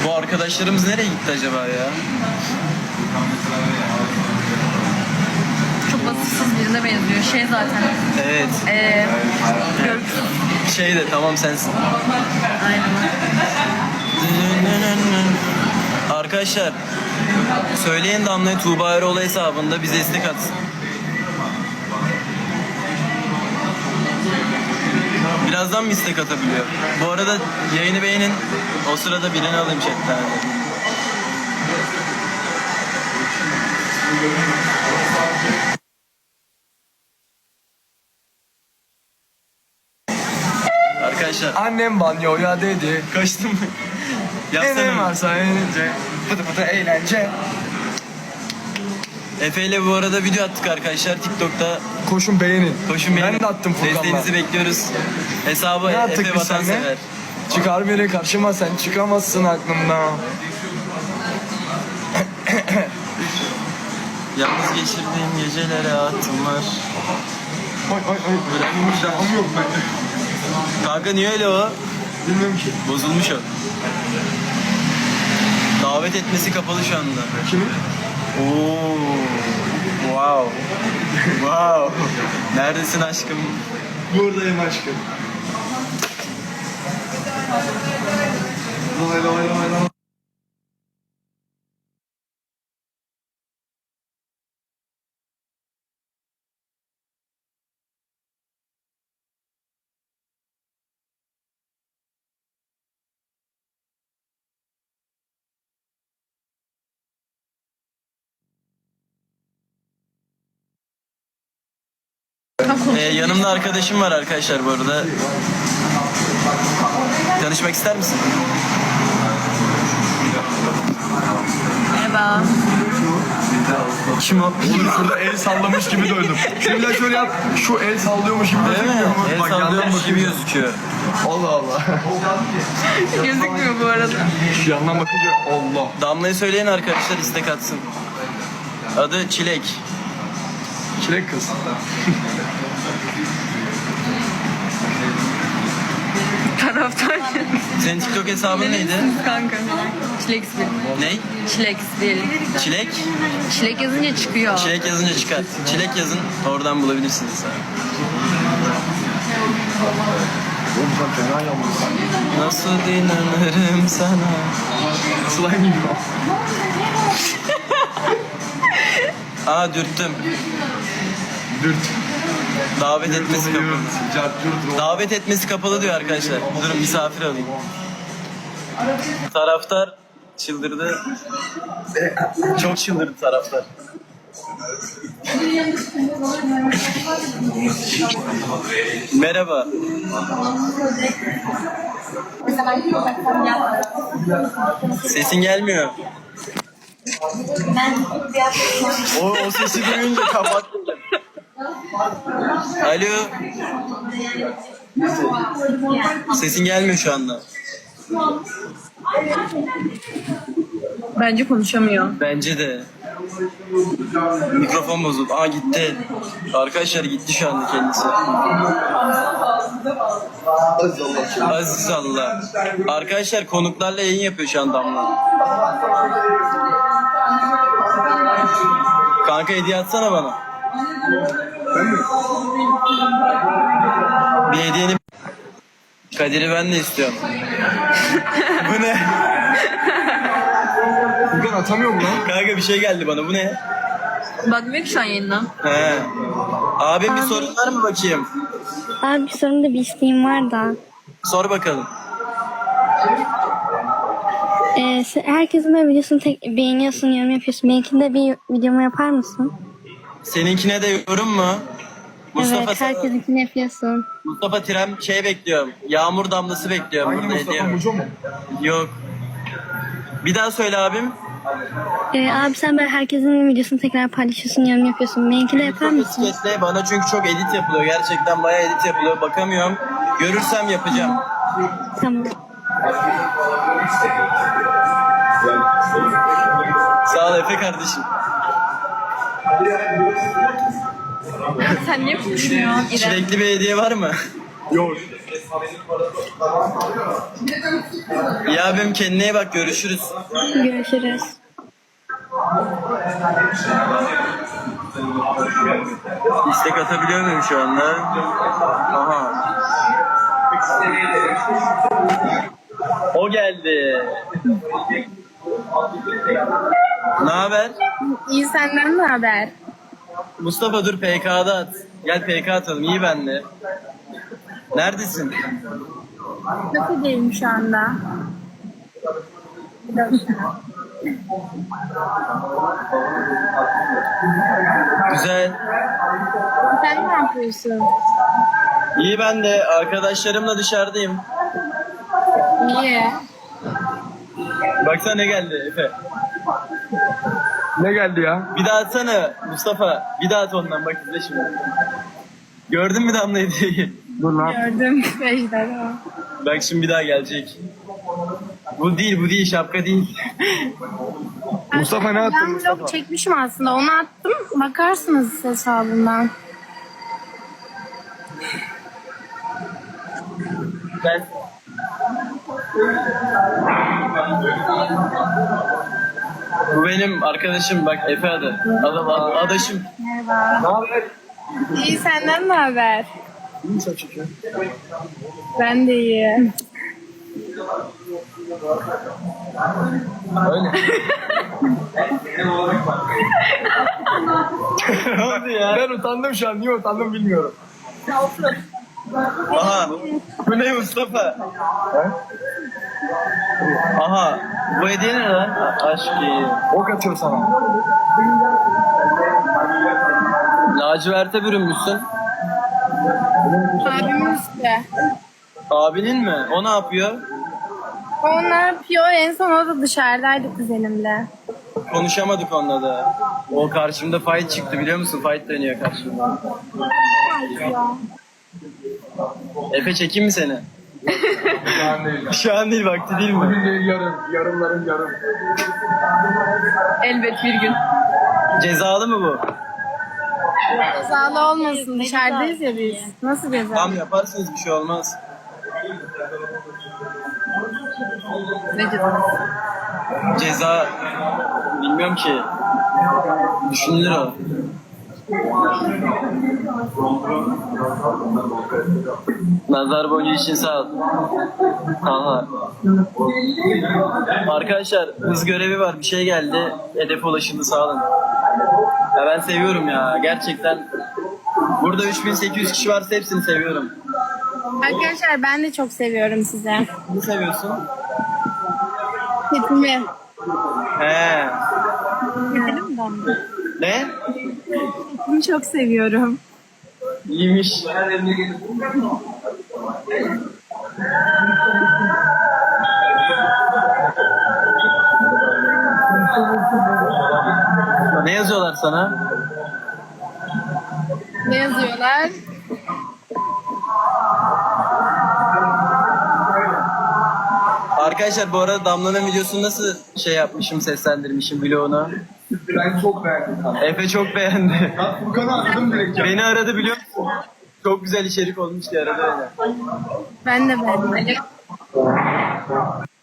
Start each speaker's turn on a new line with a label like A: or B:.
A: Bu arkadaşlarımız nereye gitti acaba ya?
B: Çok vasıfsız birine benziyor. Şey zaten.
A: Evet.
B: Görgüsüz.
A: Şey de tamam sensin.
B: Aynen.
A: Arkadaşlar söyleyin Damla'ya Tuğba Eroğlu hesabında bize istek atsın. Birazdan mı istek atabiliyor? Bu arada yayını beğenin. O sırada birini alayım chatten. Arkadaşlar
C: Annem banyoya dedi.
A: kaçtım mı?
C: Enem
A: Yapsana.
C: varsa eğlence. Pıtı pıtı eğlence.
A: Efe ile bu arada video attık arkadaşlar TikTok'ta.
C: Koşun beğenin.
A: Koşun beğenin.
C: Ben de attım Furkan'la.
A: Desteğinizi bekliyoruz. Hesabı
C: Ne attık
A: Efe
C: biz seninle?
A: Vatansever.
C: Çıkar beni karşıma sen çıkamazsın aklımdan.
A: Yalnız geçirdiğim gecelere attım var.
C: Oy oy oy. Devamı yok bende.
A: Kanka niye öyle o?
C: Bilmiyorum ki.
A: Bozulmuş o. Davet etmesi kapalı şu anda.
C: Kimin?
A: Oo. Wow. Wow. Neredesin aşkım?
C: Buradayım aşkım. Lay lay lay lay.
A: Yanımda arkadaşım var arkadaşlar bu arada. Tanışmak ister misin?
B: Merhaba.
A: Kim o?
C: Oğlum şurada el sallamış gibi döndüm. Şöyle şöyle yap. Şu el sallıyormuş gibi
A: Değil mi?
C: gözükmüyor mu?
A: El
C: Bak, yandan
A: sallıyormuş gibi
C: bakınca.
A: gözüküyor.
C: Allah Allah.
B: Gözükmüyor bu arada.
C: Şu yandan bakınca Allah.
A: Damla'yı söyleyen arkadaşlar istek atsın. Adı Çilek.
C: Çilek kız.
B: Taraftar.
A: Senin TikTok hesabın neydi?
B: Kanka. Çileks bir.
A: Ney?
B: Çileks bir.
A: Çilek?
B: Çilek yazınca çıkıyor.
A: Çilek yazınca çıkar. Çilek yazın oradan bulabilirsiniz.
C: Oğlum sen fena yalnızsın.
A: Nasıl inanırım sana?
C: Slime gibi o.
A: Aa dürttüm.
C: Dürt.
A: Davet etmesi kapalı.
C: Cart dürt.
A: Davet etmesi kapalı diyor arkadaşlar. Durun misafir alayım. Taraftar çıldırdı. Çok çıldırdı taraftar. Merhaba. Sesin gelmiyor. O sesi duyunca kapattım. Alo. Sesin gelmiyor şu anda.
B: Bence konuşamıyor.
A: Bence de. Mikrofon bozuldu. Aa gitti. Arkadaşlar gitti şu anda kendisi. Aziz Allah. Arkadaşlar konuklarla yayın yapıyor şu an Damla. Kanka hediye atsana bana. Bir hediyeni... Kadir'i ben de istiyorum. Bu ne?
C: Bugün atamıyor mu lan?
A: Kanka bir şey geldi bana. Bu ne?
B: Bakmıyor ki şu an yayından.
A: He. Abi bir sorun var mı bakayım?
D: Abi sorun da bir isteğim var da.
A: Sor bakalım.
D: Herkesin böyle videosunu beğeniyorsun, yorum yapıyorsun. Benimkini de bir videomu yapar mısın?
A: Seninkine de yorum mu?
D: Evet, herkesinkini yapıyorsun.
A: Mustafa Tirem şey bekliyorum. Yağmur damlası bekliyorum.
C: Hangi
A: Burada
C: Mustafa
A: hediye.
C: Muco mu?
A: Yok. Bir daha söyle abim.
D: Abi sen böyle herkesin videosunu tekrar paylaşıyorsun, yorum yapıyorsun. Benimkini de yapar mısın?
A: Etiketle bana çünkü çok edit yapılıyor. Gerçekten bayağı edit yapılıyor. Bakamıyorum. Görürsem yapacağım.
D: Tamam.
A: Sağ ol Efe kardeşim.
B: Sen niye konuşmuyorsun İrem?
A: Çilekli bir hediye var mı?
C: Yok.
A: İyi abim, kendine iyi bak, görüşürüz.
D: Görüşürüz.
A: İstek atabiliyor muyum şu anda? Aha. O geldi. Ne haber?
E: İyi, senden ne haber?
A: Mustafa dur PK'da at. Gel PK atalım, iyi benle. Neredesin?
E: Kafedeyim şu anda.
A: Güzel.
E: Sen ne yapıyorsun?
A: İyi ben de, arkadaşlarımla dışarıdayım.
E: İyi.
A: Baksana ne geldi Efe.
C: Ne geldi ya?
A: Bir daha atsana Mustafa. Bir daha at ondan, bak izle şimdi. Gördün mü Damla hediyeyi?
C: Dur lan.
E: Gördüm. Ejder o.
A: Bak şimdi bir daha gelecek. Bu değil şapka değil.
C: Mustafa ne attın
E: Ben
C: Mustafa?
E: vlog çekmişim aslında. Onu attım. Bakarsınız hesabından.
A: Ben... Bu benim arkadaşım, bak Efe adı. Adaşım.
E: Merhaba.
C: Ne haber?
E: İyi, senden ne haber?
C: İyi saç çekiyor.
E: Ben de iyi.
A: Öyle. Ne oldu ya?
C: Ben utandım şu an. Niye utandım bilmiyorum.
A: Aha. Bu ne Mustafa? Aha. Bu hediye ne lan? Aşkı.
C: Ok atıyor sana.
A: Laciverte bürünmüşsün.
E: Abimin işte.
A: Abinin mi? O ne yapıyor?
E: O ne yapıyor? En son o da dışarıdaydı kuzenimle.
A: Konuşamadık onunla da. O karşımda fight çıktı, biliyor musun? Fight dönüyor karşımda. Efe çekeyim mi seni?
C: Şu an değil.
A: Şu an değil, vakti değil mi?
C: Bugün değil, yarın. Yarınların yarın.
B: Elbet bir gün.
A: Cezalı mı bu?
E: Cezalı olmasın. Dışarıdayız ya biz. Nasıl ceza?
A: Tam yaparsınız, bir şey olmaz.
B: Ne cezası?
A: Ceza bilmiyorum ki. Düşünülür o. Nazar boncuğu için sağ ol. Aha. Arkadaşlar hız görevi var, bir şey geldi. Hedefe ulaşıldı, sağ olun. Ya ben seviyorum ya gerçekten. Burada 3800 kişi varsa hepsini seviyorum.
E: Arkadaşlar ben de çok seviyorum sizi.
A: Ne seviyorsun?
E: Hepimi.
A: He.
E: Gidelim mi?
A: Ne?
E: Hepimi çok seviyorum.
A: İyiymiş. Ne yazıyorlar sana?
E: Ne yazıyorlar?
A: Arkadaşlar bu arada Damla'nın videosunu nasıl şey yapmışım, seslendirmişim vlogunu.
C: Ben çok beğendim.
A: Efe çok beğendi.
C: Ben Furkan'ı aradım direkt ya.
A: Beni aradı, biliyor musun? Çok güzel içerik olmuş diye aradı öyle.
E: Ben de beğendim.